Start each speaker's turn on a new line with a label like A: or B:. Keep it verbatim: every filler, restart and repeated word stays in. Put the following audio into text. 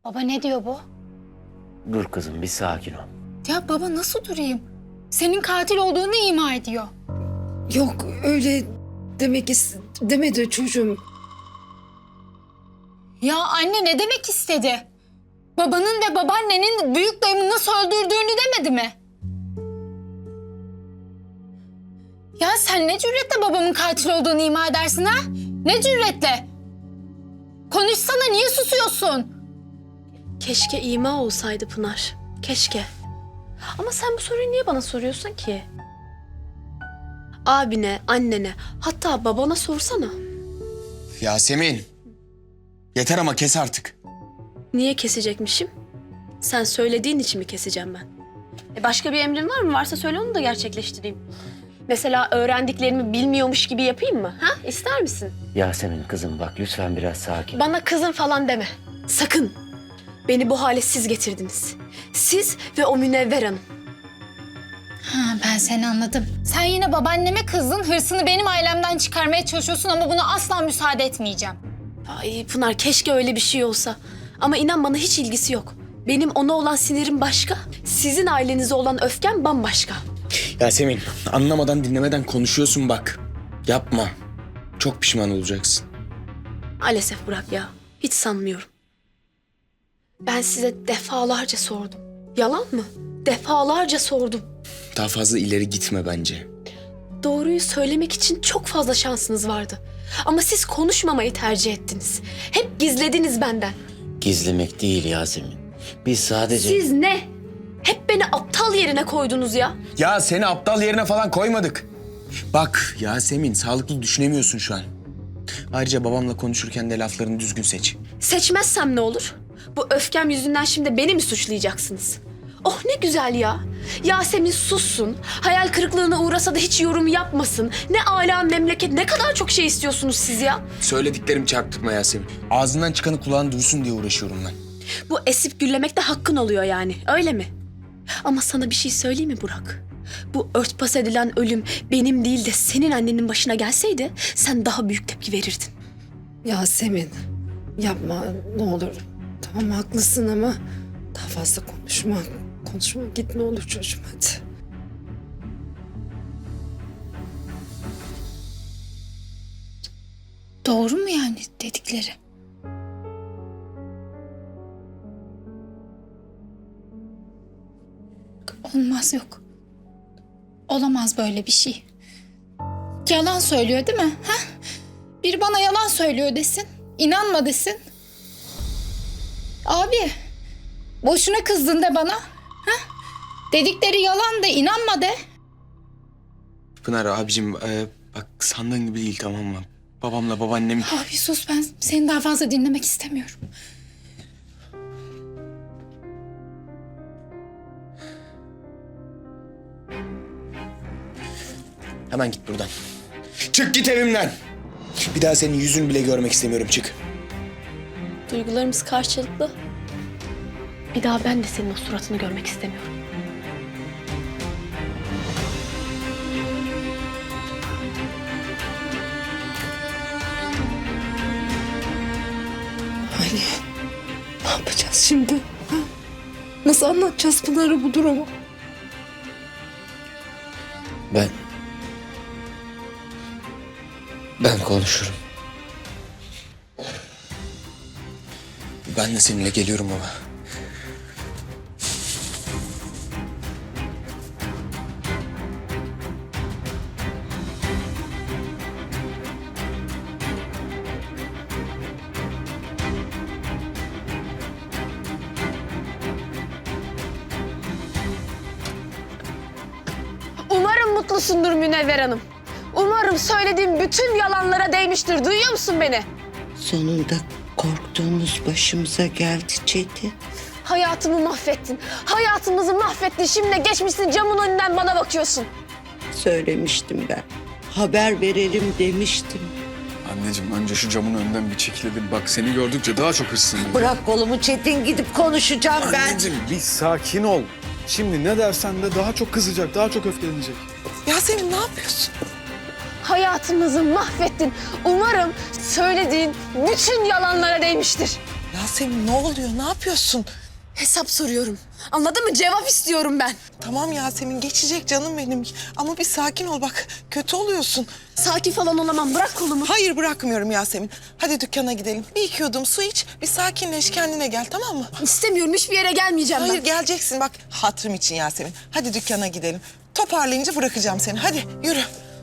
A: Baba ne diyor bu?
B: Dur kızım bir sakin ol.
A: Ya baba nasıl durayım? Senin katil olduğunu ima ediyor.
C: Yok öyle demek is demedi çocuğum.
A: Ya anne ne demek istedi? Babanın ve babaannenin büyük dayımı nasıl öldürdüğünü demedi mi? Ya sen ne cüretle babamın katil olduğunu ima edersin ha? Ne cüretle? Konuşsana, niye susuyorsun?
D: Keşke ima olsaydı Pınar. Keşke. Ama sen bu soruyu niye bana soruyorsun ki? Abine, annene, hatta babana sorsana.
E: Yasemin. Yeter ama kes artık.
D: Niye kesecekmişim? Sen söylediğin için mi keseceğim ben? E başka bir emrin var mı? Varsa söyle, onu da gerçekleştireyim. Mesela öğrendiklerimi bilmiyormuş gibi yapayım mı? Ha? İster misin?
B: Yasemin kızım bak lütfen biraz sakin.
D: Bana kızım falan deme. Sakın. Beni bu hale siz getirdiniz. Siz ve o Münevver Hanım.
A: Ha, ben seni anladım. Sen yine babaanneme kızdın, hırsını benim ailemden çıkarmaya çalışıyorsun ama buna asla müsaade etmeyeceğim.
D: Ay Pınar, keşke öyle bir şey olsa. Ama inan bana hiç ilgisi yok. Benim ona olan sinirim başka, sizin ailenize olan öfkem bambaşka.
E: Yasemin anlamadan dinlemeden konuşuyorsun bak. Yapma. Çok pişman olacaksın.
D: Maalesef Burak ya, hiç sanmıyorum. Ben size defalarca sordum. Yalan mı? Defalarca sordum.
E: Daha fazla ileri gitme bence.
D: Doğruyu söylemek için çok fazla şansınız vardı. Ama siz konuşmamayı tercih ettiniz. Hep gizlediniz benden.
B: Gizlemek değil Yasemin. Biz sadece...
D: Siz ne? Hep beni aptal yerine koydunuz ya.
E: Ya seni aptal yerine falan koymadık. Bak Yasemin sağlıklı düşünemiyorsun şu an. Ayrıca babamla konuşurken de laflarını düzgün seç.
D: Seçmezsem ne olur? Bu öfkem yüzünden şimdi beni mi suçlayacaksınız? Oh ne güzel ya. Yasemin sussun. Hayal kırıklığına uğrasa da hiç yorum yapmasın. Ne âlâ memleket, ne kadar çok şey istiyorsunuz siz ya.
E: Söylediklerimi çarpıtma Yasemin. Ağzından çıkanı kulağın duysun diye uğraşıyorum ben.
D: Bu esip gürlemek de hakkın oluyor yani, öyle mi? Ama sana bir şey söyleyeyim mi Burak? Bu örtbas edilen ölüm benim değil de senin annenin başına gelseydi sen daha büyük tepki verirdin.
C: Yasemin yapma ne olur. Tamam haklısın ama daha fazla konuşma. Konuşma git ne olur çocuğum hadi.
A: Doğru mu yani dedikleri? Olmaz, yok. Olamaz böyle bir şey. Yalan söylüyor değil mi? Ha? Biri bana yalan söylüyor desin. İnanma desin. Abi, boşuna kızdın de bana. Ha? Dedikleri yalan de, inanma de.
E: Pınar abicim e, bak sandığın gibi değil tamam mı? Babamla babaannem...
A: Abi sus, ben seni daha fazla dinlemek istemiyorum.
E: Hemen git buradan. Çık git evimden. Bir daha senin yüzünü bile görmek istemiyorum çık.
D: Duygularımız karşılıklı. Bir daha ben de senin o suratını görmek istemiyorum.
C: Ali ne yapacağız şimdi? Ha? Nasıl anlatacağız Pınar'a bu durumu?
B: Ben... Ben konuşurum.
E: Ben de seninle geliyorum baba.
D: Umarım mutlusundur Münevver Hanım. Umarım söylediğim bütün yalanlara değmiştir. Duyuyor musun beni?
F: Sonunda korktuğumuz başımıza geldi Çetin.
D: Hayatımı mahvettin. Hayatımızı mahvettin. Şimdi geçmişsin camın önünden bana bakıyorsun.
F: Söylemiştim ben. Haber verelim demiştim.
G: Anneciğim önce şu camın önünden bir çekilelim. Bak seni gördükçe daha çok hırslanıyorum.
F: Bırak kolumu Çetin, gidip konuşacağım ben.
G: Anneciğim bir sakin ol. Şimdi ne dersen de daha çok kızacak, daha çok öfkelenecek.
C: Yasemin ne yapıyorsun?
D: Hayatımızı mahvettin. Umarım söylediğin bütün yalanlara değmiştir.
H: Yasemin ne oluyor? Ne yapıyorsun?
D: Hesap soruyorum. Anladın mı? Cevap istiyorum ben.
H: Tamam Yasemin geçecek canım benim. Ama bir sakin ol bak. Kötü oluyorsun.
D: Sakin falan olamam. Bırak kolumu.
H: Hayır bırakmıyorum Yasemin. Hadi dükkana gidelim. Bir iki yudum su iç. Bir sakinleş kendine gel tamam mı?
D: İstemiyorum. Hiçbir yere gelmeyeceğim
H: Hayır
D: ben.
H: geleceksin bak hatırım için Yasemin. Hadi dükkana gidelim. Toparlayınca bırakacağım seni. Hadi yürü.